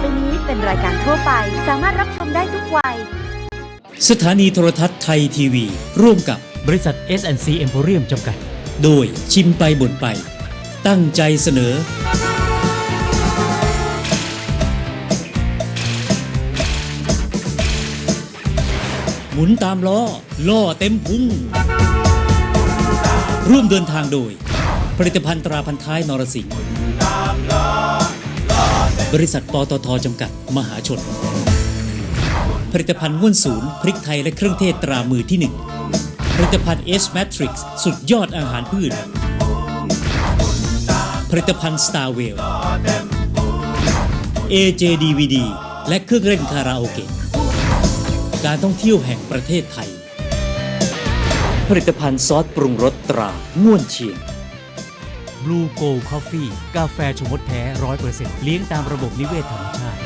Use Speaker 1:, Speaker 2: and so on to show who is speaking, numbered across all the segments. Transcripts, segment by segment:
Speaker 1: ไปนี้เป็นรายการทั่วไปสามารถรับชมได้ทุกวัย
Speaker 2: สถานีโทรทัศน์ไทยทีวีร่วมกับบ
Speaker 3: ริษัท S&C Emporium จำกัด
Speaker 2: โดยชิมไปบ่นไปตั้งใจเสนอหมุนตามล้อล่อเต็มพุงร่วมเดินทางโดยผลิตภัณฑ์ตราพันท้ายนรสิงห์บริษัทปตท.จำกัดมหาชนผลิตภัณฑ์ง่วนศูนย์พริกไทยและเครื่องเทศตรามือที่1ผลิตภัณฑ์ S Matrix สุดยอดอาหารพืชผลิตภัณฑ์ Star Well AJ DVD และเครื่องเล่นคาราโอเกะการท่องเที่ยวแห่งประเทศไทยผลิตภัณฑ์ซอสปรุงรสตราง่วนเชียง
Speaker 3: Blue Gold Coffee กาแฟชงมดแท้ 100% เลี้ยงตามระบบนิเวศธรรมชาติ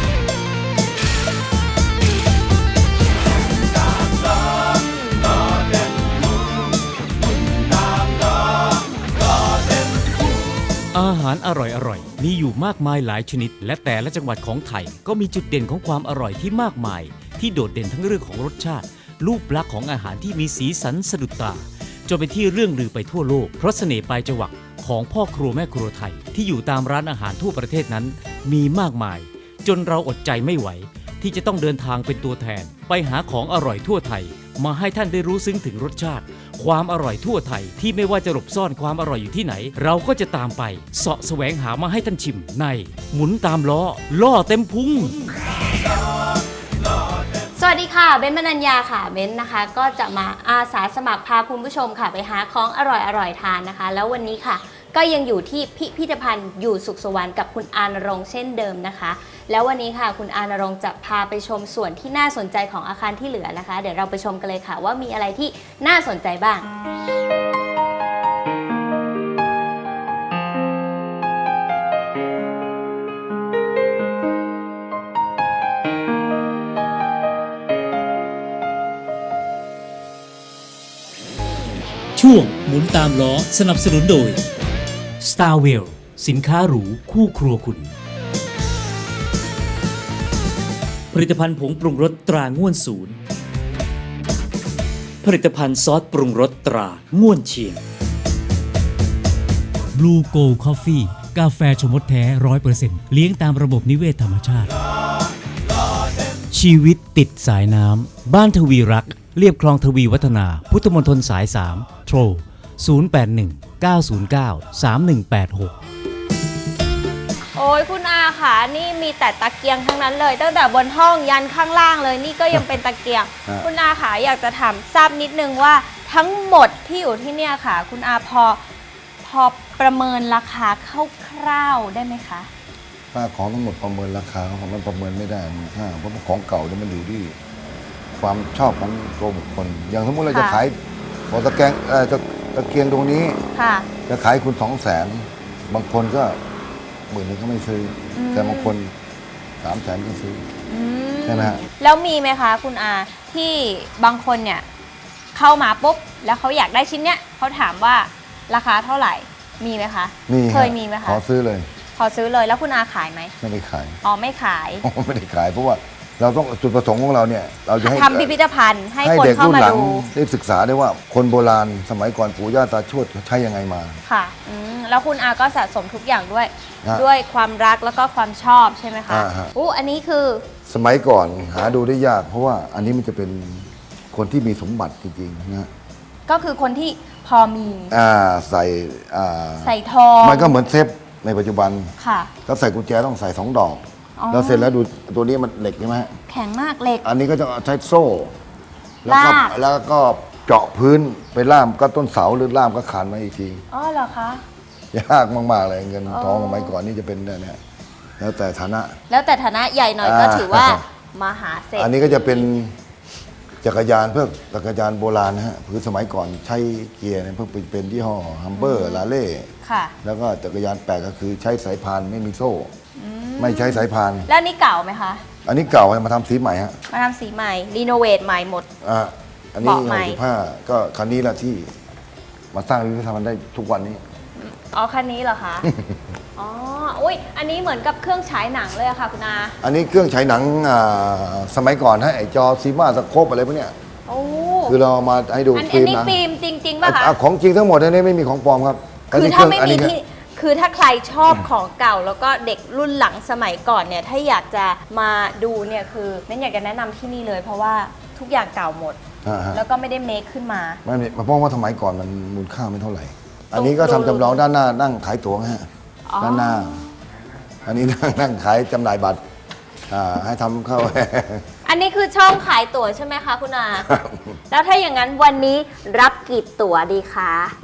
Speaker 3: อาหารอร่อยๆมีอยู่มากมายหลายชนิดและแต่ละจังหวัดของไทยก็มีจุดเด่นของความอร่อยที่มากมายที่โดดเด่นทั้งเรื่องของรสชาติรูปลักษณ์ของอาหารที่มีสีสันสะดุดตาจนเป็นที่เรื่องลือไปทั่วโลกเพราะเสน่ห์ปลายจวักของพ่อครัวแม่ครัวไทยที่อยู่ตามร้านอาหารทั่วประเทศนั้นมีมากมายจนเราอดใจไม่ไหวที่จะต้องเดินทางเป็นตัวแทนไปหาของอร่อยทั่วไทยมาให้ท่านได้รู้ซึ้งถึงรสชาติความอร่อยทั่วไทยที่ไม่ว่าจะหลบซ่อนความอร่อยอยู่ที่ไหนเราก็จะตามไปเสาะแสวงหามาให้ท่านชิมในหมุนตามล้อล่อเต็มพุง
Speaker 4: สวัสดีค่ะเบ้นมนัญญาค่ะเบ้นนะคะก็จะมาอาสาสมัครพาคุณผู้ชมค่ะไปหาของอร่อยทานนะคะแล้ววันนี้ค่ะก็ยังอยู่ที่พิพิธภัณฑ์อยู่สุขสวรรค์กับคุณอานรงค์เช่นเดิมนะคะแล้ววันนี้ค่ะคุณอานรงค์จะพาไปชมส่วนที่น่าสนใจของอาคารที่เหลือนะคะเดี๋ยวเราไปชมกันเลยค่ะว่ามีอะไรที่น่าสนใจบ้าง
Speaker 2: ช่วงหมุนตามล้อสนับสนุนโดย
Speaker 3: Star Well สินค้าหรูคู่ครัวคุณ
Speaker 2: ผลิตภัณฑ์ผงปรุงรสตราง่วนศูนย์ผลิตภัณฑ์ซอสปรุงรสตราง่วนเชียง
Speaker 3: Blue Gold Coffee กาแฟชงมดแท้ 100% เลี้ยงตามระบบนิเวศธรรมชาติชีวิตติดสายน้ำบ้านทวีรักเรียบคลองทวีวัฒนาพุทธมณฑลสาย3โทร081 909 3186
Speaker 4: โอ้ยคุณอาค่ะนี่มีแต่ตะเกียงทั้งนั้นเลยตั้งแต่บนห้องยันข้างล่างเลยนี่ก็ยังเป็นตะเกียง คุณอาค่ะอยากจะถามทราบนิดนึงว่าทั้งหมดที่อยู่ที่เนี่ยค่ะคุณอาพอประเมินราคาคร่าวๆได้ไหมคะ
Speaker 5: ค่าของทั้งหมดประเมินราคาของมันประเมินไม่ได้เพราะของเก่าเนี่ยมันอยู่ที่ความชอบของตัวบุคคลอย่างสมมติเราจะขายของตะเกียงตรงนี้จะขายคุณ200,000บางคนก็10,000ก็ไม่ซื้อแต่บางคน300,000ก็ซื้อใช่ไหมฮะ
Speaker 4: แล้วมีไหมคะคุณอาที่บางคนเนี่ยเข้ามาปุ๊บแล้วเขาอยากได้ชิ้นเนี้ยเขาถามว่าราคาเท่าไหร่มีไหมคะ
Speaker 5: มี
Speaker 4: เคยมีไหมคะ
Speaker 5: ขอซื้อเลย
Speaker 4: แล้วคุณอาขายไหม
Speaker 5: ไม่ได้ขาย
Speaker 4: อ๋อไม่ขาย
Speaker 5: ไม่ได้ขายเพราะว่าเราต้องจุดประสงค์ของเราเนี่ยเราจะให้
Speaker 4: ทำพิพิธภัณฑ์ให้คนเข้ามาดู
Speaker 5: ได้ศึกษาได้ว่าคนโบราณสมัยก่อนปู่ย่าตาทวดใช้ยังไงมา
Speaker 4: ค่ะแล้วคุณอาก็สะสมทุกอย่างด้วยความรักแล้วก็ความชอบใช่ไหมคะอันนี้คือ
Speaker 5: สมัยก่อนหาดูได้ยากเพราะว่าอันนี้มันจะเป็นคนที่มีสมบัติจริงๆนะ
Speaker 4: ก็คือคนที่พอมี
Speaker 5: ใส่
Speaker 4: ทอง
Speaker 5: มันก็เหมือนเซฟในปัจจุบัน
Speaker 4: ค่ะ
Speaker 5: ถ้าใส่กุญแจต้องใส่2 ดอกแล้วเสร็จแล้วดูตัวนี้มันเหล็กใช่ไหม
Speaker 4: แข็งมากเหล็ก
Speaker 5: อันนี้ก็จะใช้โซ่แล้วก็เจาะพื้นไปล่ามก็ต้นเสาหรือล่ามก็ขานมาอีกที
Speaker 4: อ๋อเหรอคะ
Speaker 5: ยากมากๆเลยเงินทองสมัยก่อนนี่จะเป็นเนี่ยแล้วแต่ฐานะ
Speaker 4: ใหญ่หน่อยก็ถือว่ามหาเศรษฐี
Speaker 5: อันนี้ก็จะเป็นจักรยานโบราณนะฮะคือสมัยก่อนใช้เกียร์เนี่ยเพิ่งเป็นยี่ห้อฮัมเบอร์ลาเล่แล้วก็จักรยานแปลกก็คือใช้สายพานไม่มีโซ่ไม่ใช้สายพาน
Speaker 4: แล้วนี่เก่าไหมคะ
Speaker 5: อันนี้เก่ามาทำสีใหม่ฮะ
Speaker 4: มาทำสีใหม่รีโนเวทใหม่หมด
Speaker 5: อันนี้65ก็คันนี้ละที่มาสร้างพิพิธภัณฑ์ได้ทุกวันนี้
Speaker 4: อ๋อคันนี้เหรอคะอ๋ออุ้ยอันนี้เหมือนกับเครื่องฉายหนังเลยอะค่ะคุณอา
Speaker 5: อันนี้เครื่องฉายหนังสมัยก่อนฮะไอจอซีมาสโคปอะไรพวกเนี้ย
Speaker 4: โอ้
Speaker 5: คือเราเอามาให้ดู
Speaker 4: อัน
Speaker 5: ฟิล์ม
Speaker 4: นี้
Speaker 5: หนะ
Speaker 4: ฟิล์มจริงๆป่ะคะ
Speaker 5: ของจริงทั้งหมดอันนี้ไม่มีของปลอมครับ
Speaker 4: คือถ้าไม่
Speaker 5: อัน
Speaker 4: มี
Speaker 5: นี้
Speaker 4: ที่คือถ้าใครชอบของเก่าแล้วก็เด็กรุ่นหลังสมัยก่อนเนี่ยถ้าอยากจะมาดูเนี่ยคือเน้นอยากจะแนะนำที่นี่เลย เพราะว่าทุกอย่างเก่าหมด
Speaker 5: ฮะ
Speaker 4: แล้วก็ไม่ได้เมคขึ้นมา
Speaker 5: ไม่เพราะว่าสมัยก่อนมันมูลค่าไม่เท่าไหร่ อันนี้ก็ทำจำลองด้านหน้านั่งขายตั๋วฮะ
Speaker 4: อ๋อ
Speaker 5: ด้านหน้า อันนี้นั่งขายจำหน่ายบัตรให้ทำเข้า
Speaker 4: อันนี้คือช่องขายตั๋วใช่ไหมคะคุณอา แล้วถ้าอย่างนั้นวันนี้รับกี่ตั๋วดีคะ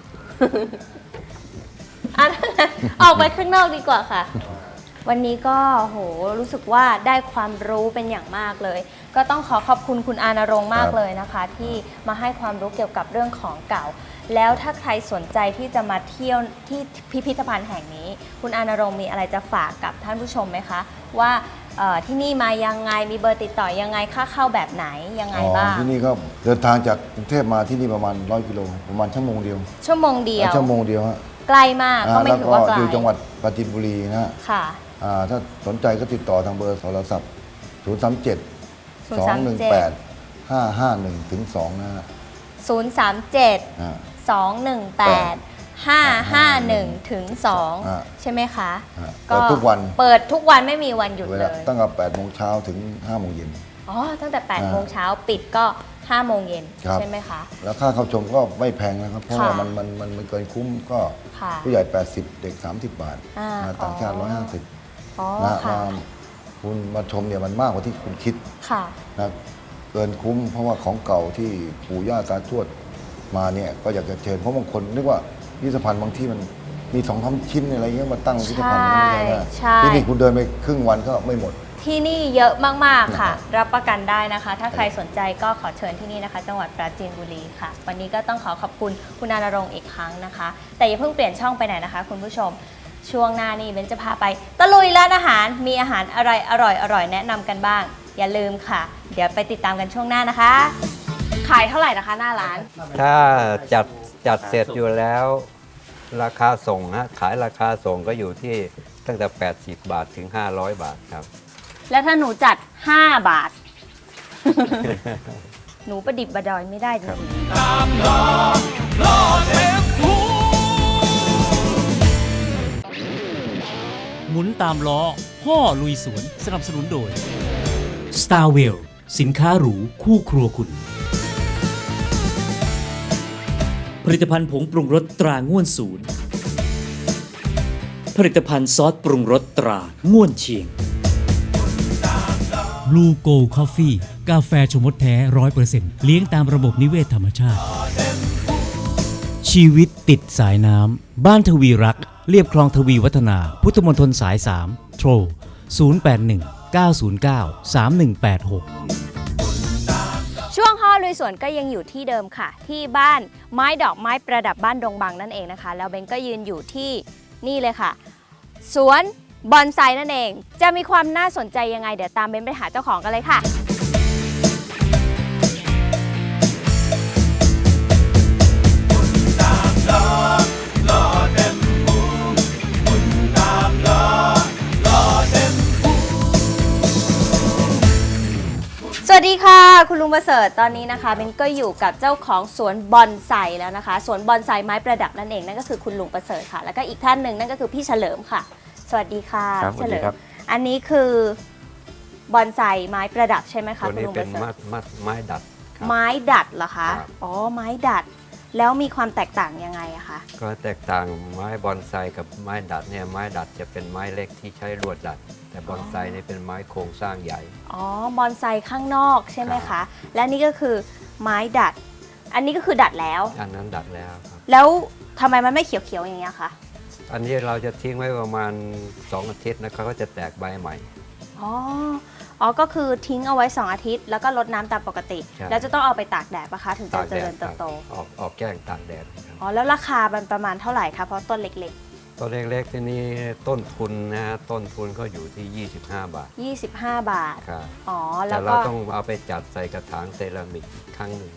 Speaker 4: อันนั้นออกไปข้างนอกดีกว่าค่ะ วันนี้ก็โหรู้สึกว่าได้ความรู้เป็นอย่างมากเลย ก็ต้องขอขอบคุณคุณอานรงค์มากเลยนะคะ ที่มาให้ความรู้เกี่ยวกับเรื่องของเก่า แล้วถ้าใครสนใจที่จะมาเที่ยวที่พิพิธภัณฑ์แห่งนี้ คุณอานรงค์มีอะไรจะฝากกับท่านผู้ชมไหมคะ ว่าที่นี่มายังไงมีเบอร์ติดต่อยังไงค่าเข้าแบบไหนยังไงบ้าง
Speaker 5: ที่นี่ก็เดินทางจากกรุงเทพมาที่นี่ประมาณ100 กิโลประมาณชั่วโมงเดียว
Speaker 4: ชั่วโมงเดียว
Speaker 5: ชั่วโมงเดียวฮะ
Speaker 4: ใกล้มากก็ไม่
Speaker 5: แล้ว
Speaker 4: ถือ
Speaker 5: ก็
Speaker 4: ว่าไกล
Speaker 5: อยู่จังหวัดปราจีนบุรีนะฮะ
Speaker 4: ค่ะ
Speaker 5: ถ้าสนใจก็ติดต่อทางเบอร์โทรศัพท์ 037 218 551ถึง2นะฮะ
Speaker 4: 037
Speaker 5: อ่า
Speaker 4: 218 551ถึง
Speaker 5: อ่า
Speaker 4: 2ใช่ไหมคะ
Speaker 5: เปิดทุกวัน
Speaker 4: เปิดทุกวันไม่มีวันหยุด
Speaker 5: เว
Speaker 4: เล
Speaker 5: ลาย ตั้งแต่8 โมงเช้าถึง 5 โมงเย็น
Speaker 4: อ๋อ ตั้งแต่8โมงเช้าปิดก็5โมงเย็น
Speaker 5: ครับ
Speaker 4: ใช่ไหมคะ
Speaker 5: แล้วค่าเข้าชมก็ไม่แพงนะครับ เพราะ
Speaker 4: ค่ะ
Speaker 5: ว่ามันเกินคุ้มก็
Speaker 4: ค่ะ
Speaker 5: ผู้ใหญ่ 80 เด็ก 30 บาท
Speaker 4: อ่า
Speaker 5: ต่างชาติ
Speaker 4: อ๋อ
Speaker 5: 150
Speaker 4: อ๋อ
Speaker 5: นะฮะ
Speaker 4: ค่ะ
Speaker 5: คุณมาชมเนี่ยมันมากกว่าที่คุณคิด
Speaker 4: ค่ะ
Speaker 5: นะเกินคุ้มเพราะว่าของเก่าที่ปู่ย่าตาทวดมาเนี่ยก็อยากจะเชิญเพราะบางคนนึกว่าพิพิธภัณฑ์บางที่มันมี2-3 ชิ้นอะไรเงี้ยมาตั้งพิพิธภัณฑ์ไม่ใช่นะ
Speaker 4: ใช่
Speaker 5: ที่นี่คุณเดินไปครึ่งวันก็ไม่หมด
Speaker 4: ที่นี่เยอะมาก ๆ ค่ะ รับประกันได้นะคะ ถ้าใครสนใจก็ขอเชิญที่นี่นะคะ จังหวัดปราจีนบุรีค่ะ วันนี้ก็ต้องขอขอบคุณคุณอานรงค์อีกครั้งนะคะ แต่อย่าเพิ่งเปลี่ยนช่องไปไหนนะคะ คุณผู้ชม ช่วงหน้านี้เบนจะพาไปตะลุยร้านอาหาร มีอาหารอะไรอร่อยๆแนะนำกันบ้าง อย่าลืมค่ะ เดี๋ยวไปติดตามกันช่วงหน้านะคะ ขายเท่าไหร่นะคะหน้าร้าน
Speaker 6: ถ้าจัดเสร็จอยู่แล้วราคาส่งนะขายราคาส่งก็อยู่ที่ตั้งแต่ 80 บาทถึง 500 บาทครับ
Speaker 4: แล้วถ้าหนูจัด 5 บาท หนูประดิบประดอยไม่ได้จริงๆ
Speaker 2: หมุนตามล้อพ่อลุยสวนสนับสนุนโดย Starwell สินค้าหรูคู่ครัวคุณ ผลิตภัณฑ์ผงปรุงรสตราง่วนศูนย์ ผลิตภัณฑ์ซอสปรุงรสตราง่วนเชียง Blue Gold Coffee กาแฟชมดแท้ 100% เลี้ยงตามระบบนิเวศธรรมชาติ ชีวิตติดสายน้ำ บ้านทวีรัก เรียบคลองทวีวัฒนา พุทธมณฑลสาย 3 โทร 081 909 3186
Speaker 4: ช่วงห่อลุยสวนก็ยังอยู่ที่เดิมค่ะ ที่บ้านไม้ดอกไม้ประดับบ้านดงบังนั่นเองนะคะ แล้วเบนก็ยืนอยู่ที่นี่เลยค่ะ สวนบอนไซนั่นเอง จะมีความน่าสนใจยังไงเดี๋ยวตามเบนไปหาเจ้าของกันเลยค่ะ สวัสดีค่ะ คุณลุงประเสริฐตอนนี้นะคะเบนก็อยู่กับเจ้าของสวนบอนไซแล้วนะคะสวนบอนไซไม้ประดับนั่นเองนั่นก็คือคุณลุงประเสริฐค่ะ แล้วก็อีกท่านหนึ่งนั่นก็คือพี่เฉลิมค่ะ สวัสดีค่ะ
Speaker 6: ครับ
Speaker 4: พี่เฉลิ
Speaker 6: สวัสดี
Speaker 4: ม
Speaker 6: ครับ
Speaker 4: อันนี้คือบอนไซไม้ประดับใช่ไหมคะ
Speaker 6: ตัว
Speaker 4: คุณ
Speaker 6: นี้
Speaker 4: ลุงป
Speaker 6: เป็น
Speaker 4: ระเสริฐ
Speaker 6: ไม้ดัดครับ
Speaker 4: ไม้ดัดเหรอคะ
Speaker 6: ครับ
Speaker 4: อ๋อไม้ดัด แล้วมีความแตกต่างยังไงอะคะ
Speaker 6: ก็แตกต่างไม้บอนไซกับไม้ดัดเนี่ยไม้ดัดจะเป็นไม้เล็กที่ใช้ลวดดัด แต่บอนไซเนี่ยเป็นไม้โครงสร้างใหญ่
Speaker 4: อ๋อบอนไซข้างนอกใช่ไหม
Speaker 6: ครั
Speaker 4: คะ
Speaker 6: บ
Speaker 4: และนี่ก็คือไม้ดัด อันนี้ก็คือดัดแล้ว
Speaker 6: อันนั้นดัดแล้วครับ
Speaker 4: แล้วทำไมมันไม่เขียวๆอย่างเงี้ยคะ
Speaker 6: อันนี้เราจะทิ้งไว้ประมาณ 2 อาทิตย์นะครับก็จะแตกใบใหม่
Speaker 4: อ๋อ อ๋อ ก็คือทิ้งเอาไว้ 2 อาทิตย์ แล้วก็รดน้ำตามปกติ
Speaker 6: ใช่
Speaker 4: แล้วจะต้องเอาไปตากแดดปะคะ ถึงจะ
Speaker 6: ตาก
Speaker 4: เจ
Speaker 6: แด
Speaker 4: ริ
Speaker 6: ด
Speaker 4: ญเติบโต
Speaker 6: ออกแกล้งตากแดดครับ
Speaker 4: อ๋อ แล้วราคามันประมาณเท่าไหร่คะ เพราะต้นเล็ก
Speaker 6: ตัวเล็กๆที่นี่ต้นทุนนะฮะต้นทุนก็อยู่ที่ 25 บาท
Speaker 4: ๆ 25 บาท
Speaker 6: ครับ
Speaker 4: อ๋อ แล้
Speaker 6: แต่
Speaker 4: ว
Speaker 6: เรา
Speaker 4: ก็
Speaker 6: ต้องเอาไปจัดใส่กระถางเซรามิกอีกครั้งหนึ่ง
Speaker 4: อ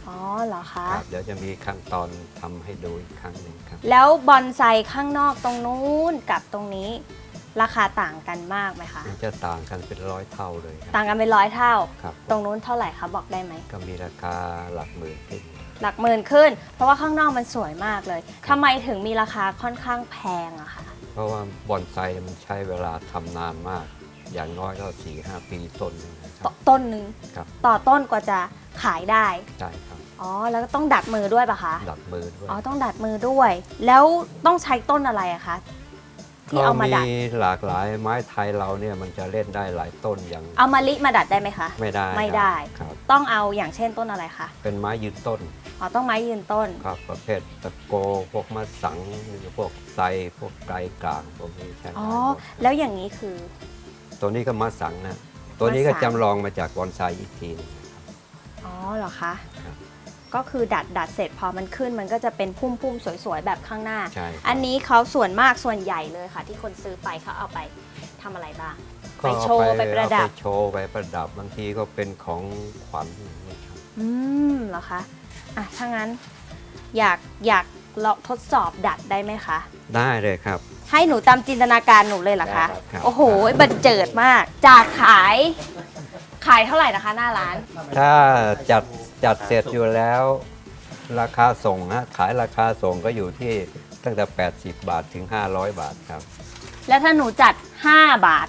Speaker 4: อ๋อเหรอคะ
Speaker 6: ครับเดี๋ยวจะมีขั้นตอนทำให้ดูอีกครั้งหนึ่งครับ
Speaker 4: แล้วบอนไซข้างนอกตรงนู้นกับตรงนี้ราคาต่างกันมากไหมคะ
Speaker 6: มันจะต่างกันเป็น100 เท่าเลยครับ
Speaker 4: ต่างกันเป็น100 เท่า
Speaker 6: ครับ
Speaker 4: ตรงนู้นเท่าไหร่คะบอกได้ไหม
Speaker 6: ก็มีราคาหลักหมื่นขึ้น
Speaker 4: หลักหมื่นขึ้น เพราะว่าข้างนอกมันสวยมากเลยทำไมถึงมีราคาค่อนข้างแพงอะคะ
Speaker 6: เพราะว่าบอนไซมันใช้เวลาทำนานมาก อย่างน้อยก็ 4-5 ปีต้นหนึงนะครับ
Speaker 4: ต้นหนึ่ง
Speaker 6: ครับ
Speaker 4: ต่อต้นกว่าจะขายได้
Speaker 6: ใช่ครับ
Speaker 4: อ๋อแล้วก็ต้องดัดมือด้วยปะคะ
Speaker 6: ดัดมือด้วย
Speaker 4: อ๋อต้องดัดมือด้วย แล้วต้องใช้ต้นอะไรอะคะที่เอามาดัด
Speaker 6: หลากหลายไม้ไทยเราเนี่ยมันจะเล่นได้หลายต้นอย่าง
Speaker 4: เอามะลิมาดัดได้ไหมคะ
Speaker 6: ไม่ได้
Speaker 4: ไม่ได้
Speaker 6: ครับ
Speaker 4: ต้องเอาอย่างเช่นต้นอะไรคะ
Speaker 6: เป็นไม้ยืนต้น
Speaker 4: อ๋อต้องไม้ยืนต้น
Speaker 6: ครับประเภทตะโกพวกมะสังหรือพวกไทรพวกไกรกลางพวกนี้ใช่ไหม
Speaker 4: อ๋อแล้วอย่างนี้คือ
Speaker 6: ตัวนี้ก็มะสังนะตัวนี้ก็
Speaker 4: มะสัง
Speaker 6: จำลองมาจากบอนไซอีกทีหนึง
Speaker 4: อ๋อเหรอคะ
Speaker 6: ครับ
Speaker 4: ก็คือดัดเสร็จพอมันขึ้นมันก็จะเป็นพุ่มๆสวยๆแบบข้างหน้า
Speaker 6: ใช่ครับ
Speaker 4: อันนี้เขาส่วนมากส่วนใหญ่เลยค่ะ ที่คนซื้อไปเขาเอาไปทำอะไรบ้าง
Speaker 6: ก็
Speaker 4: ไปโชว์ไปประดับ
Speaker 6: เอาไปโชว์ไปประดับบางทีก็เป็นของขวัญอย่างนี้ครับ
Speaker 4: เหรอคะอ่ะถ้างั้นอยากลองทดสอบดัดได้ไหมคะ
Speaker 6: ได้เลยครับ
Speaker 4: ให้หนูตามจินตนาการหนูเลยเหรอคะ
Speaker 6: ได้ครับ
Speaker 4: โอ้โหบันเจิดมาก จากขายเท่าไหร่นะคะหน้าร้าน
Speaker 6: ถ้าจัดเสร็จอยู่แล้ว ราคาส่งนะขายราคาส่งก็อยู่ที่ตั้งแต่ 80 บาทถึง 500 บาทครับ
Speaker 4: แล้วถ้าหนูจัด 5 บาท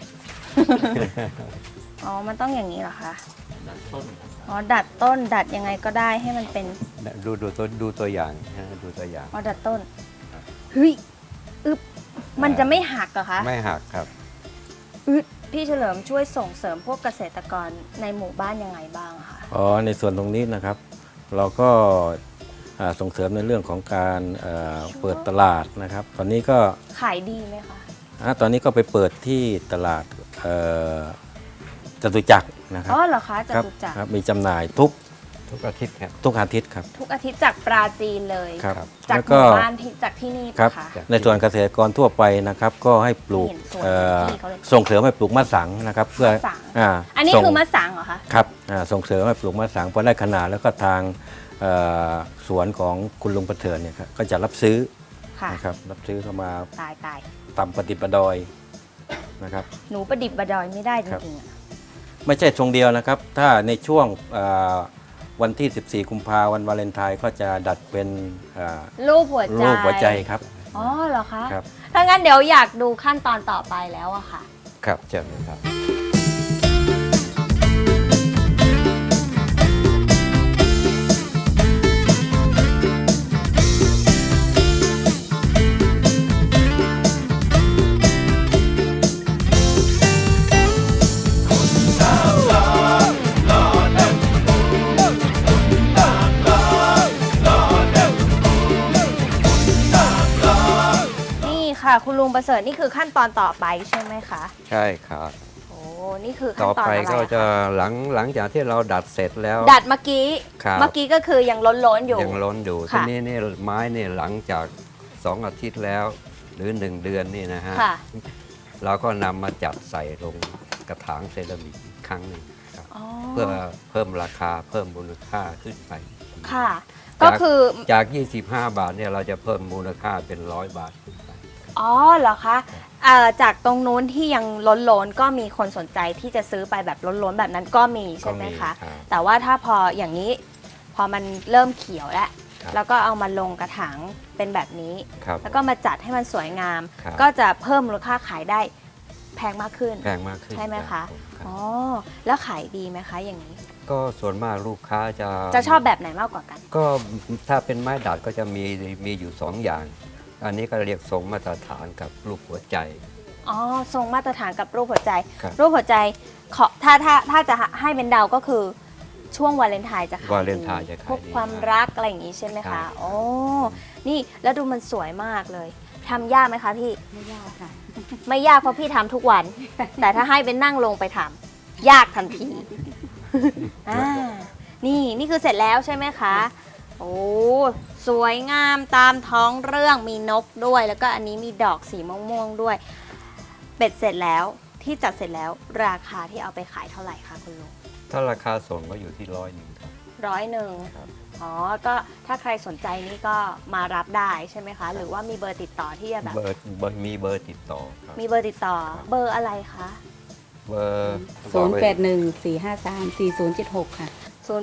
Speaker 4: อ๋อ มันต้องอย่างนี้เหรอคะ อ๋อ ดัดต้น ดัดยังไงก็ได้ให้มันเป็น
Speaker 6: ดูตัวอย่างนะดูตัวอย่าง
Speaker 4: อ๋อ ดัดต้น เฮ้ย อึบมันจะไม่หักเหรอคะ
Speaker 6: ไม่หักครับ
Speaker 4: อึดพี่เฉลิมช่วยส่งเสริมพวกเกษตรกรในหมู่บ้านยังไงบ้างอะคะ
Speaker 7: อ๋อในส่วนตรงนี้นะครับ เราก็ส่งเสริมในเรื่องของการเปิดตลาดนะครับ ตอนนี้ก็
Speaker 4: ขายดีไหมคะ
Speaker 7: ตอนนี้ก็ไปเปิดที่ตลาดจตุจักรนะครั
Speaker 4: อ๋อเหรอคะจ
Speaker 7: ครับ
Speaker 4: ตุจักร
Speaker 7: ครับมีจำหน่ายทุก
Speaker 6: ทุกอาทิตย์ครับ
Speaker 7: อาทิตย์ครับ
Speaker 4: ทุกอาทิตย์จากปราจีนเลย
Speaker 7: ครับ
Speaker 4: จาก
Speaker 7: แล้ว
Speaker 4: ห
Speaker 7: ก็
Speaker 4: มู่บ้านที่จากที่นี่
Speaker 7: ครับ
Speaker 4: ปะคะ
Speaker 7: ในส่วนเกษตรกรทั่วไปนะครับ ก็ให้ปลูก
Speaker 4: เห็นสวน ที่เขาเลย
Speaker 7: ส่งเสริมให้ปลูกมะสังนะครับ เพื่อ
Speaker 4: มะสัง
Speaker 7: อ่า
Speaker 4: อันนี้
Speaker 7: ส่ง
Speaker 4: คือมะสังเหรอคะ
Speaker 7: ครับส่งเสริมให้ปลูกมะสังพอได้ขนาดแล้วก็ทางสวนของคุณลุงประเถินเนี่ยครับก็จะรับซื้อ
Speaker 4: ค่ะ
Speaker 7: นะครับรับซื้อเข้ามา
Speaker 4: ตาย
Speaker 7: ตำปฏิปดอยนะครับ
Speaker 4: หนูประดิบประดอยไม่ได้จ
Speaker 7: ครับ
Speaker 4: ริงๆอะ
Speaker 7: ไม่ใช่ทรงเดียวนะครับ ถ้าในช่วงวันที่ 14 กุมภาพันธ์วันวาเลนไทน์ก็จะดัดเป็นอ่า
Speaker 4: รูปหัวใจ
Speaker 7: รูปหัวใจครับ
Speaker 4: อ๋อเหรอคะ
Speaker 7: ครับ
Speaker 4: ถ้างั้นเดี๋ยวอยากดูขั้นตอนต่อไปแล้วอะค่ะ
Speaker 6: ครับเชิญเลยครับ
Speaker 4: นี่ค่ะ คุณลุงประเสริฐนี่คือขั้นตอนต่อไปใช่ไหมคะ
Speaker 6: ใช่ครับ
Speaker 4: โอ้นี่คือขั้
Speaker 6: ต่
Speaker 4: น
Speaker 6: อ
Speaker 4: ตอน
Speaker 6: ไป
Speaker 4: อะไร
Speaker 6: ก็
Speaker 4: อะ
Speaker 6: จะ
Speaker 4: คะ
Speaker 6: หลังจากที่เราดัดเสร็จแล้ว
Speaker 4: ดัดเมื่อกี้
Speaker 6: ครับ
Speaker 4: เมื่อกี้ก็คือยังล้นๆอยู่
Speaker 6: ยังล้นอยู่
Speaker 4: ค่ะ
Speaker 6: ทีนี้นี่ไม้เนี่ยหลังจาก 2 อาทิตย์แล้ว หรือ 1 เดือนนี่นะฮะ
Speaker 4: ค่ะ
Speaker 6: เราก็นำมาจัดใส่ลงกระถางเซรามิกอีกครั้งหนึ่งครับ
Speaker 4: อ๋อ
Speaker 6: เพื่อเพิ่มราคาเพิ่มมูลค่าขึ้นไป
Speaker 4: ค่ะ ก็คือ
Speaker 6: จาก 25 บาทเนี่ยเราจะเพิ่มมูลค่าเป็น 100 บาทขึ้นไป
Speaker 4: อ๋อเหรอคะจากตรงนู้นที่ยังล้นๆก็มีคนสนใจที่จะซื้อไปแบบล้นๆแบบนั้นก็มีใช่ไหม
Speaker 6: ก็มี
Speaker 4: คะ
Speaker 6: ครับ
Speaker 4: แต่ว่าถ้าพออย่างนี้พอมันเริ่มเขียวแล้ว
Speaker 6: ครับ
Speaker 4: แล้วก็เอามาลงกระถางเป็นแบบนี้
Speaker 6: ครับ
Speaker 4: แล้วก็มาจัดให้มันสวยงาม
Speaker 6: ครับ
Speaker 4: ก็จะเพิ่มมูลค่าขายได้แพงมากขึ้น
Speaker 6: แพงมากขึ้น
Speaker 4: ใช่ไหม
Speaker 6: รั
Speaker 4: คะ
Speaker 6: บผมครับ
Speaker 4: อ๋อแล้วขายดีไหมคะอย่างนี้
Speaker 6: ก็ส่วนมากลูกค้าจะ
Speaker 4: จะชอบแบบไหนมากกว่ากัน
Speaker 6: ก็ถ้าเป็นไม้ดัดก็จะมีอยู่ 2 อย่าง อันนี้ก็เรียกทรงมาตรฐานกับรูปหัวใจ
Speaker 4: อ๋อทรงมาตรฐานกับรูปหัวใจ
Speaker 6: ครับ
Speaker 4: รูปหัวใจขอถ้าจะให้เป็นเดาก็คือช่วงวาเลนไทน์จะขายดี
Speaker 6: วาเลนไทน์จะขายดี
Speaker 4: พวกความรักอะไรอย่างนี้ใช่ไหม
Speaker 6: ครั
Speaker 4: คะ
Speaker 6: บ
Speaker 4: โอ้นี่แล้วดูมันสวยมากเลยทำยากไหมคะพี่
Speaker 1: ไม่ยากค่ะ
Speaker 4: ไม่ยากเพราะพี่ทำทุกวัน แต่ถ้าให้เป็นนั่งลงไปทำยากทันที นี่คือเสร็จแล้วใช่ไหมคะ โอ้สวยงามตามท้องเรื่องมีนกด้วย แล้วก็อันนี้มีดอกสีม่วงๆด้วย เป็ดเสร็จแล้วที่จัดเสร็จแล้วราคาที่เอาไปขายเท่าไหร่คะคุณลุง
Speaker 6: ถ้าราคาส่งก็อยู่ที่100ครับ
Speaker 4: 100อ๋อก็ถ้าใครสนใจนี่ก็มารับได้ใช่ไหมคะ หรือว่ามีเบอร์ติดต่อที่จะแบบ
Speaker 6: มีเบอร์ติดต่อครับ
Speaker 4: มีเบอร์ติดต่อเบอร์อะไรคะ
Speaker 6: เบอร์
Speaker 8: 0814534076 ค่ะ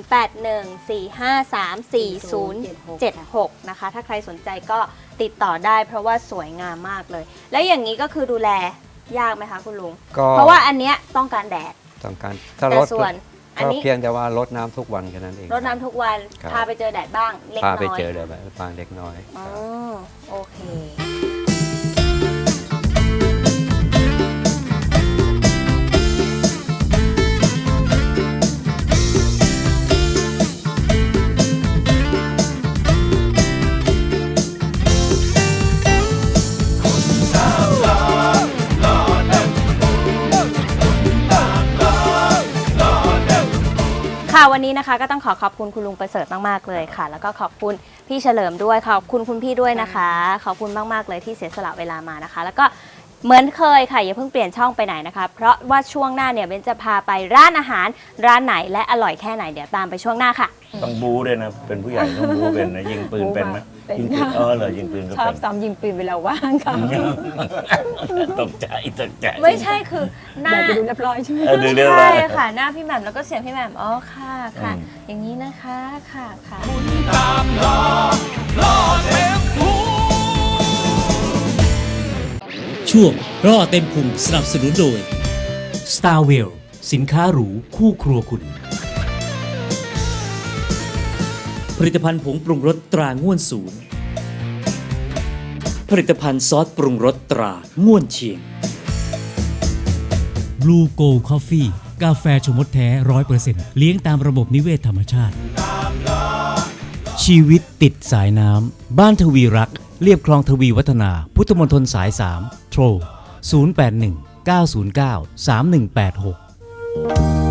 Speaker 4: 0814534076 นะคะถ้าใครสนใจก็ติดต่อได้เพราะว่าสวยงามมากเลย แล้วอย่างนี้ก็คือดูแลยากไหมคะคุณลุง
Speaker 6: ก็
Speaker 4: เพราะว่าอันเนี้ยต้องการแดด
Speaker 6: ต้องการถ้า
Speaker 4: แต่
Speaker 6: รถ
Speaker 4: ส่วนอัน
Speaker 6: ก็
Speaker 4: นี้
Speaker 6: เพียงแต่ว่ารดน้ำทุกวันแค่นั้นเอง
Speaker 4: รดน้ำทุกวัน
Speaker 6: ครับ
Speaker 4: พาไปเจอแดดบ้างเล็ก
Speaker 6: พา
Speaker 4: น้อย
Speaker 6: ไปเจอเลยแบบบางเล็กน้อย
Speaker 4: อ๋อโอเค ค่ะวันนี้นะคะก็ต้องขอบคุณคุณลุงประเสริฐมากๆเลยค่ะ แล้วก็ขอบคุณพี่เฉลิมด้วยขอบคุณคุณพี่ด้วยนะคะ ขอบคุณมากๆเลยที่เสียสละเวลามานะคะ แล้วก็เหมือนเคยค่ะอย่าเพิ่งเปลี่ยนช่องไปไหนนะคะ เพราะว่าช่วงหน้าเนี่ยเบนจะพาไปร้านอาหารร้านไหนและอร่อยแค่ไหนเดี๋ยวตามไปช่วงหน้าค่ะ
Speaker 9: ต้องบูด้วยนะ เป็นผู้ใหญ่ต้องบูเป็นนะยิงปืนเป็นไหม
Speaker 8: เป็น
Speaker 9: ยิงปืน
Speaker 8: ค่ะ
Speaker 9: เหรอยิงปืนก็
Speaker 8: ชอ
Speaker 9: เป็
Speaker 8: บ
Speaker 9: น
Speaker 8: ซ้อมยิงปืนเวลาว่างค่ะ
Speaker 9: ตกใจตกใจ
Speaker 4: ไม่ใช่คือหน้า
Speaker 8: อยากจะดูเรียบร้อยใช่ไหม
Speaker 9: ดูเรื่อง
Speaker 4: ใช่
Speaker 9: อะไร
Speaker 4: ค่ะหน้าพี่แหม่มแล้วก็เสียงพี่แหม่มอ๋อค่ะค่ะ
Speaker 9: อืม
Speaker 4: อย่างนี้นะคะค่ะค่ะ
Speaker 2: ช่วงร่อเต็มพุงสนับสนุนโดย Starwell สินค้าหรูคู่ครัวคุณ ผลิตภัณฑ์ผงปรุงรสตราง่วนศูนย์ ผลิตภัณฑ์ซอสปรุงรสตราง่วนเชียง Blue Gold Coffee กาแฟชงมดแท้ 100% เลี้ยงตามระบบนิเวศธรรมชาติ ชีวิตติดสายน้ำบ้านทวีรักเรียบคลองทวีวัฒนา พุทธมณฑลสาย 3 โทร 081 909 3186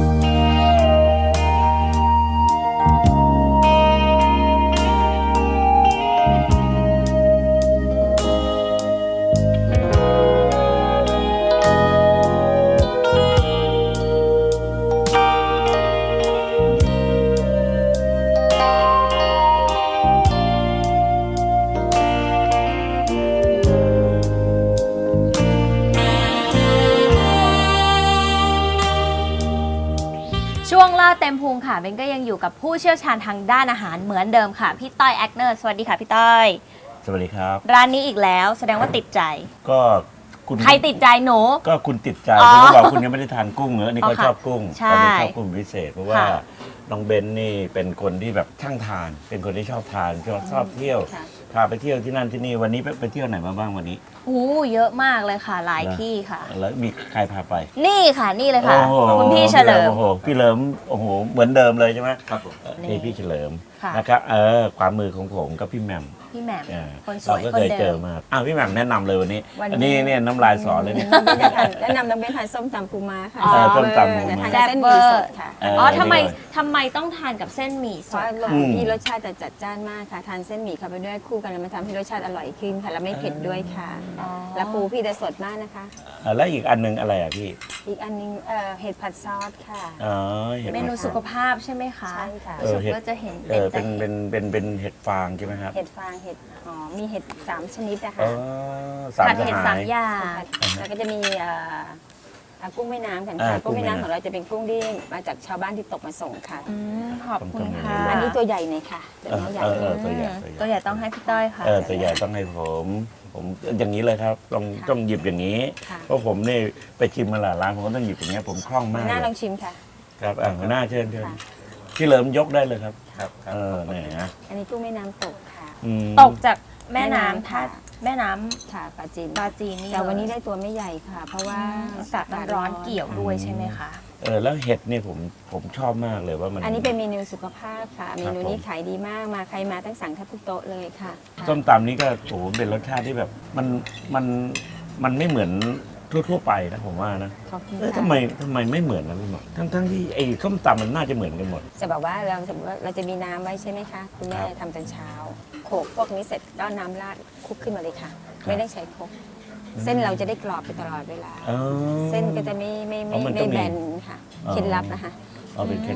Speaker 4: ช่วงล่าเต็มพุงค่ะเบนก็ยังอยู่กับผู้เชี่ยวชาญทางด้านอาหารเหมือนเดิมค่ะพี่ต้อยแอคเนอร์สวัสดีค่ะพี่ต้อย
Speaker 9: สวัสดีครับ
Speaker 4: ร้านนี้อีกแล้วแสดงว่าติดใจ
Speaker 9: ก็คุณ
Speaker 4: ใครติดใจหนู
Speaker 9: ก็คุณติดใจ
Speaker 4: อ๋อ
Speaker 9: คุณก็บอกคุณยังไม่ได้ทานกุ้งเนอะนี่
Speaker 4: อ๋
Speaker 9: ก็
Speaker 4: อค่ะ
Speaker 9: ชอบกุ้ง
Speaker 4: ใช่
Speaker 9: ตอนนี้ชอบกุ้งพิเศษเพราะว่า
Speaker 4: ค่ะ
Speaker 9: น้องเบนนี่เป็นคนที่แบบช่างทาน เป็นคนที่ชอบทานชอบเที่ยว
Speaker 8: ค่ะ
Speaker 9: พาไปเที่ยวที่นั่นที่นี่วันนี้ไปเที่ยวไหนมาบ้างวันนี้
Speaker 4: อู้เยอะมากเลยค่ะหลายที่ค่ะ
Speaker 9: แล้วมีใครพาไป
Speaker 4: นี่ค่ะนี่เลยค่ะ
Speaker 9: โอ้โห
Speaker 4: คุณพี่เฉลิม
Speaker 9: โอ้โหพี่เหลิมโอ้โหเหมือนเดิมเลยใช่ไหม
Speaker 7: ครับผม
Speaker 9: นี่พี่เฉลิม
Speaker 4: ค่ะ
Speaker 9: นะครับความมือของผมกับพี่แหม่ม
Speaker 4: พี่แหม่ม
Speaker 9: เออ
Speaker 4: คนส
Speaker 9: เรา
Speaker 4: วย
Speaker 9: ก็
Speaker 4: คน
Speaker 9: เคยเจ
Speaker 4: เดิ
Speaker 9: อ
Speaker 4: ม
Speaker 9: มาพี่แหม่มแนะนำเลยวันนี้
Speaker 8: วันนี้
Speaker 9: อันนี้เนี่ยน้ำลายสอเลยเนี่ย
Speaker 8: แนะนำน้องเบนทานส้มตำปูม้าค่ะ
Speaker 9: อ๋อส้มตำปูม้า
Speaker 8: ทานกับเส้นหมี่สดค่ะ
Speaker 4: อ๋อทำไมต้องทานกับเส้นหมี่
Speaker 8: เพ
Speaker 4: ส
Speaker 8: ราะ
Speaker 4: ด
Speaker 8: ว่า
Speaker 9: อืม
Speaker 8: ที่รสชาติจะจัดจ้านมากค่ะ ทานเส้นหมี่เข้าไปด้วยคู่กันแล้วมันทำให้รสชาติอร่อยขึ้นค่ะ แล้วไม่เผ็ดด้วยค่ะ
Speaker 4: อ๋อ
Speaker 8: แล้วปูพี่จะสดมากนะคะ
Speaker 9: แล้วอีกอันหนึงอะไรอ่ะพี่
Speaker 8: อีกอันนึงเห็ดผัดซอสค่ะ
Speaker 9: อ๋อเห็ด
Speaker 4: เมนูสุขภาพใช่ไหมคะ
Speaker 8: ใช่ค่ะ
Speaker 4: รู้สึกว่าจะเห็น
Speaker 9: เป็นเห็ดฟางใช่ไหมครับ
Speaker 8: เห็ดฟางเห็ดหอมมีเห็ด3 ชนิดนะ
Speaker 9: อ๋
Speaker 8: คะ
Speaker 9: อสาม
Speaker 4: ผัด
Speaker 9: ส
Speaker 4: เห็ด
Speaker 9: หา
Speaker 4: สาย มอย่าง
Speaker 8: แล้วก็จะมีกุ้งแม่น้ำกัน
Speaker 9: อ่า
Speaker 8: ค่ะ
Speaker 9: กุ้
Speaker 8: กุ้
Speaker 9: ง
Speaker 8: ง
Speaker 9: แม่
Speaker 8: แม่
Speaker 9: น้ำ
Speaker 8: น้ำของเราจะเป็นกุ้งที่มาจากชาวบ้านที่ตกมาส่งค่ะ
Speaker 4: ขอบคุณค่ะ
Speaker 8: อันนี้ตัวใหญ่หน่อยค่ะตัวนี้ใหญ่
Speaker 9: ตัวใหญ่
Speaker 4: ตัวใหญ่ต้องให้พี่ต้อยค่ะ
Speaker 9: ตัวใหญ่ต้องให้ผมอย่างนี้เลยครับต้องหยิบอย่างนี้
Speaker 8: ค่ะ
Speaker 9: เพราะผมนี่ไปชิมมาหลายร้านผมก็ต้องหยิบอย่างเงี้ยผมคล่องมาก
Speaker 8: หน้า
Speaker 9: เล
Speaker 8: ลอย งชิมค่ะ
Speaker 9: ครับหัวหน้าเชิญ
Speaker 8: ค่ะ
Speaker 9: พี่เหลิมยกได้เลยครับ
Speaker 7: ครับ
Speaker 9: เนี่ยนะ
Speaker 8: อันนี้กุ้งแม่น้ำตกค่ะ
Speaker 9: อืม
Speaker 4: ตกจากแม่น้ำ
Speaker 8: แม่น้ำ
Speaker 4: ท่า
Speaker 8: ค่ะ
Speaker 4: แม่น้ำ
Speaker 8: ค่ะปลาจีน
Speaker 4: ปลาจีนนี่
Speaker 8: แต่วันนี้
Speaker 4: เลย
Speaker 8: ได้ตัวไม่ใหญ่ค่ะ เพราะว่า
Speaker 4: อากาศมันร้อนเกี่ยวด้วยใช่ไหมคะ
Speaker 9: แล้วเห็ดเนี่ยผมชอบมากเลยว่ามัน
Speaker 8: อันนี้เป็นเมนูสุขภาพค่ะ เมนูนี้
Speaker 9: ผม
Speaker 8: ขายดีมากมาใครมาตั้งสั่งแทบทุกโต๊ะเลยค่ะ
Speaker 9: ส้มตำนี่ก็โอ้โหเป็นรสชาติที่แบบมันไม่เหมือนทั่วๆไปนะผมว่านะ
Speaker 8: ขอบคุณ
Speaker 9: ทำ
Speaker 8: ค่ะ
Speaker 9: ไมไม่เหมือนนะพี่หมอทั้งที่ไอ้ส้มตำมันน่าจะเหมือนกันหมด
Speaker 8: จะบอกว่าเราสมมติว่าเราจะมีน้ำไว้ใช่ไหมคะคุณแม่
Speaker 9: ครับ
Speaker 8: ทำตอนเช้าโขลกพวกนี้เสร็จก็เอาน้ำราดคลุกขึ้นมาเลยค่ะ
Speaker 9: ครับ
Speaker 8: ไม่ได้ใช้ครกเส้นเราจะได้กรอบไปตลอดเวลา
Speaker 9: อ๋อ
Speaker 8: เส้นก็จะไม่
Speaker 9: อ๋อมันต้องมี
Speaker 8: แบนค่ะ
Speaker 9: อ๋อ
Speaker 8: เคล็ดลับนะคะ
Speaker 9: เอาเป็นเคล็ดลับ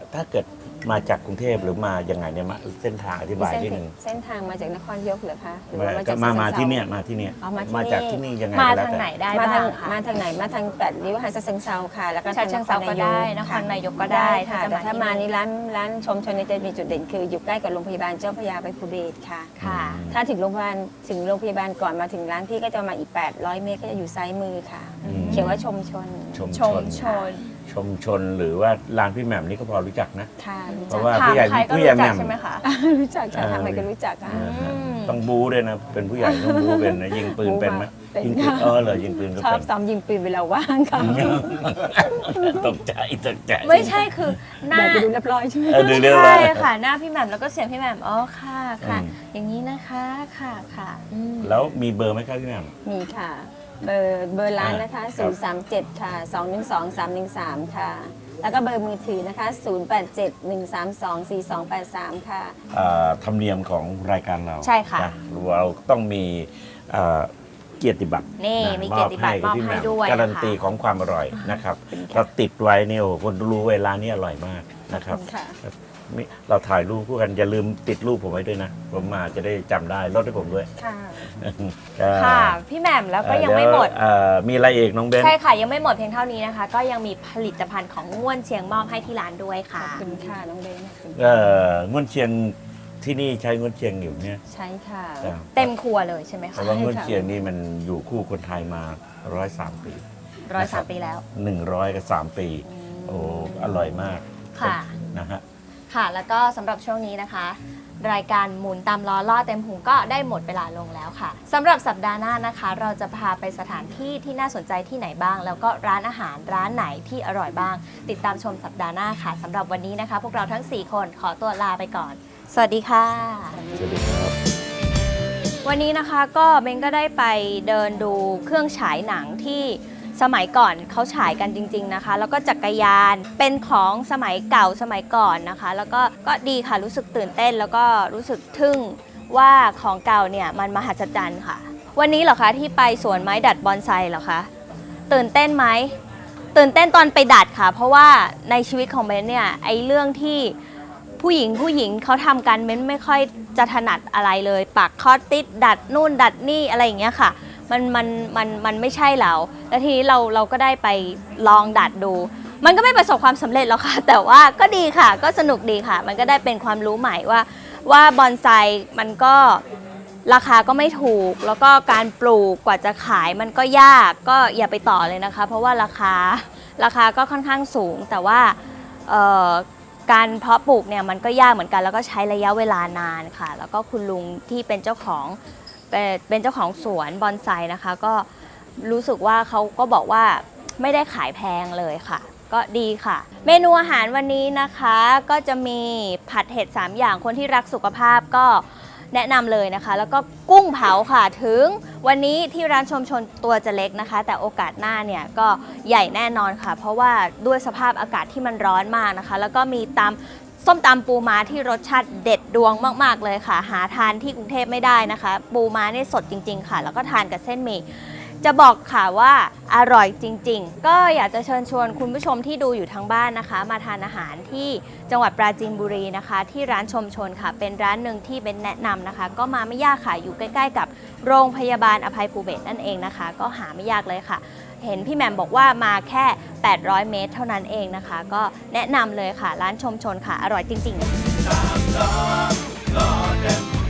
Speaker 9: ถ้าเกิดมาจากกรุงเทพหรือมายังไงเนี่ยเส้นทางอธิบายนิดนึง
Speaker 8: เส้นทางมาจากนครนายกเหรอคะหรือ
Speaker 9: ก็
Speaker 8: ว่า
Speaker 9: มา
Speaker 8: จาก
Speaker 9: ที่เนี่ยมาที่เนี่ย
Speaker 8: อ๋อมา
Speaker 9: มา
Speaker 8: ที่
Speaker 9: จาก
Speaker 8: นี่
Speaker 9: ที่นี่ยังไง
Speaker 4: มา
Speaker 9: ก็แล้ว
Speaker 4: ทาง
Speaker 9: แต่
Speaker 4: ไหนได้
Speaker 8: มา
Speaker 4: บ้า
Speaker 8: ทาง
Speaker 4: งคะ
Speaker 8: มาทางไหนมาทาง8ริ้วหาดเชิงเซาค่ะแล้วก็
Speaker 4: ฉะเชิงเทราก็ได้นครนายกก็ได้
Speaker 8: ค่ะ
Speaker 4: ถ้าจะ
Speaker 8: แต่ถ้า
Speaker 4: ที่
Speaker 8: มานี่ร้านชมชนเนี่ยจะมีจุดเด่นคืออยู่ใกล้กับโรงพยาบาลเจ้าพระยาไปภูเบศรค่ะ
Speaker 4: ค่ะ
Speaker 8: ถ้าถึงโรงพยาบาลก่อนมาถึงร้านพี่ก็จะมาอีก800 เมตรก็จะอยู่ซ้ายมือค่ะ เขียนว่าชมชน
Speaker 9: ชม
Speaker 4: ช
Speaker 9: ช
Speaker 4: ม
Speaker 9: น
Speaker 4: ชน
Speaker 9: ชมชนหรือว่าร้านพี่แหม่มนี่ก็พอรู้จักนะ
Speaker 8: ค่ะรู้
Speaker 9: เพ
Speaker 8: จัก
Speaker 9: ราะว่า
Speaker 4: ถาม
Speaker 9: ผู้ใหญ่
Speaker 4: ใครก็
Speaker 9: ผู้ใหญ่
Speaker 4: รู้
Speaker 9: แห
Speaker 4: จั
Speaker 9: ม่
Speaker 4: ก
Speaker 9: ม
Speaker 4: ใช่ไหมคะ
Speaker 8: รู้จักค่ะทำอะไรก็รู้จักค่ะ
Speaker 9: ต้องบูด้วยนะเป็นผู้ใหญ่ต้องบูเป็นนะยิงปืนเป็นไหม
Speaker 8: เป็น
Speaker 9: ยิงปืน
Speaker 8: ค่ะ
Speaker 9: เหรอยิงปืนก็
Speaker 8: ชอ
Speaker 9: เป็
Speaker 8: บ
Speaker 9: น
Speaker 8: ซ้อมยิงปืนเวลาว่างค่ะ
Speaker 9: ตกใจตกใจ
Speaker 4: ไม่ใช่คือหน้า
Speaker 8: อยากจะดูเรียบร้อยใช่ไหม
Speaker 9: ดูเรื่อง
Speaker 4: ใช่
Speaker 9: อะไร
Speaker 4: ค่ะ หน้าพี่แหม่มแล้วก็เสียงพี่แหม่มอ๋อค่ะค่ะ
Speaker 9: อืม
Speaker 4: อย่างนี้นะคะค่ะค่ะ
Speaker 9: แล้วมีเบอร์ไหมครับพี่แหม่ม
Speaker 8: มีค่ะ เบอร์ร้านนะคะ 037 ค่ะ 212 313 ค่ะ แล้วก็เบอร์มือถือนะคะ 087 132 4283 ค่ะ
Speaker 9: ธรรมเนียมของรายการเรา
Speaker 4: ใช่ค่ะ
Speaker 9: นเราต้องมีเกียรติบัตร
Speaker 4: นี่
Speaker 9: ะ
Speaker 4: มีเกียรติบัตรมอบ
Speaker 9: พี่แห
Speaker 4: ให้
Speaker 9: ม่ม
Speaker 4: ด้วย
Speaker 9: การัน
Speaker 4: นะคะ
Speaker 9: ตีของความอร่อยนะครับเราติดไว้เนี่ยโอ้โหคนรู้เวลานี้อร่อยมากนะครับ
Speaker 8: ค่ะ
Speaker 9: เราถ่ายรูปคู่กันอย่าลืมติดรูปผมไว้ด้วยนะผมมาจะได้จำได้ลดให้ผมด้วย
Speaker 8: ค่ะ
Speaker 4: ค่ะ พี่แหม่มแล้วก็ยังไม่หมด
Speaker 9: มีอะไรเอกน้องเบน
Speaker 4: ใช่ค่ะ ยังไม่หมดเพียงเท่านี้นะคะ ก็ยังมีผลิตภัณฑ์ของง่วนเชียงมอบให้ที่ร้านด้วย
Speaker 8: ข
Speaker 4: ค่ะ
Speaker 8: อบคุณค่ะน้องเบนขอบคุณ
Speaker 9: ง่วนเชียงที่นี่ใช้ง่วนเชียงอยู่เนี่ย
Speaker 8: ใช่ค่ะ
Speaker 4: เต็มครัวเลยใช่ไหม
Speaker 9: เพ
Speaker 4: คะ
Speaker 9: ราะว่าง่วนเชียงนี่มันอยู่คู่คนไทยมา103 ปี
Speaker 4: 103 ปีแล้ว
Speaker 9: 103 ปี โอ้อร่อยมาก
Speaker 4: ค่ะ
Speaker 9: นะฮะ
Speaker 4: ค่ะ แล้วก็สำหรับช่วงนี้นะคะ รายการหมุนตามล้อล่อเต็มหูก็ได้หมดเวลาลงแล้วค่ะสำหรับสัปดาห์หน้านะคะ เราจะพาไปสถานที่ที่น่าสนใจที่ไหนบ้าง แล้วก็ร้านอาหารร้านไหนที่อร่อยบ้าง ติดตามชมสัปดาห์หน้าค่ะสำหรับวันนี้นะคะ พวกเราทั้ง 4 คนขอตัวลาไปก่อน สวัสดีค่ะ
Speaker 9: สวัสดีครับ
Speaker 4: วันนี้นะคะก็เบนก็ได้ไปเดินดูเครื่องฉายหนังที่สมัยก่อนเขาฉายกันจริงๆนะคะ แล้วก็จักรยานเป็นของสมัยเก่าสมัยก่อนนะคะ แล้วก็ดีค่ะรู้สึกตื่นเต้นแล้วก็รู้สึกทึ่งว่าของเก่าเนี่ยมันมหัศจรรย์ค่ะ วันนี้เหรอคะที่ไปสวนไม้ดัดบอนไซเหรอคะตื่นเต้นไหมตื่นเต้นตอนไปดัดค่ะ เพราะว่าในชีวิตของเบนเนี่ยไอ้เรื่องที่ผู้หญิงเขาทำกันเบนไม่ค่อยจะถนัดอะไรเลยปักคอสติดดัดนู่นดัดนี่อะไรอย่างเงี้ยค่ะมันไม่ใช่เราแล้วทีนี้เราก็ได้ไปลองดัดดู มันก็ไม่ประสบความสำเร็จหรอกค่ะ แต่ว่าก็ดีค่ะก็สนุกดีค่ะ มันก็ได้เป็นความรู้ใหม่ว่าบอนไซมันก็ราคาก็ไม่ถูก แล้วก็การปลูกกว่าจะขายมันก็ยากก็อย่าไปต่อเลยนะคะ เพราะว่าราคาก็ค่อนข้างสูง แต่ว่าการเพาะปลูกเนี่ยมันก็ยากเหมือนกันแล้วก็ใช้ระยะเวลานานค่ะ แล้วก็คุณลุงที่เป็นเจ้าของสวนบอนไซนะคะก็รู้สึกว่าเขาก็บอกว่าไม่ได้ขายแพงเลยค่ะ ก็ดีค่ะ เมนูอาหารวันนี้นะคะก็จะมีผัดเห็ด3อย่างคนที่รักสุขภาพก็แนะนำเลยนะคะ แล้วก็กุ้งเผาค่ะถึงวันนี้ที่ร้านชมชนตัวจะเล็กนะคะ แต่โอกาสหน้าเนี่ยก็ใหญ่แน่นอนค่ะ เพราะว่าด้วยสภาพอากาศที่มันร้อนมากนะคะ แล้วก็มีส้มตำปูม้าที่รสชาติเด็ดดวงมากๆเลยค่ะหาทานที่กรุงเทพไม่ได้นะคะปูม้าเนี่ยสดจริงๆค่ะแล้วก็ทานกับเส้นหมี่จะบอกค่ะว่าอร่อยจริงๆก็อยากจะเชิญชวนคุณผู้ชมที่ดูอยู่ทางบ้านนะคะมาทานอาหารที่จังหวัดปราจีนบุรีนะคะที่ร้านชมชนค่ะเป็นร้านหนึ่งที่เป็นแนะนำนะคะก็มาไม่ยากค่ะอยู่ใกล้ๆกับโรงพยาบาลอภัยภูเบศรนั่นเองนะคะก็หาไม่ยากเลยค่ะเห็นพี่แหม่มบอกว่ามาแค่800 เมตรเท่านั้นเองนะคะก็แนะนำเลยค่ะร้านชมชนค่ะอร่อยจริงๆ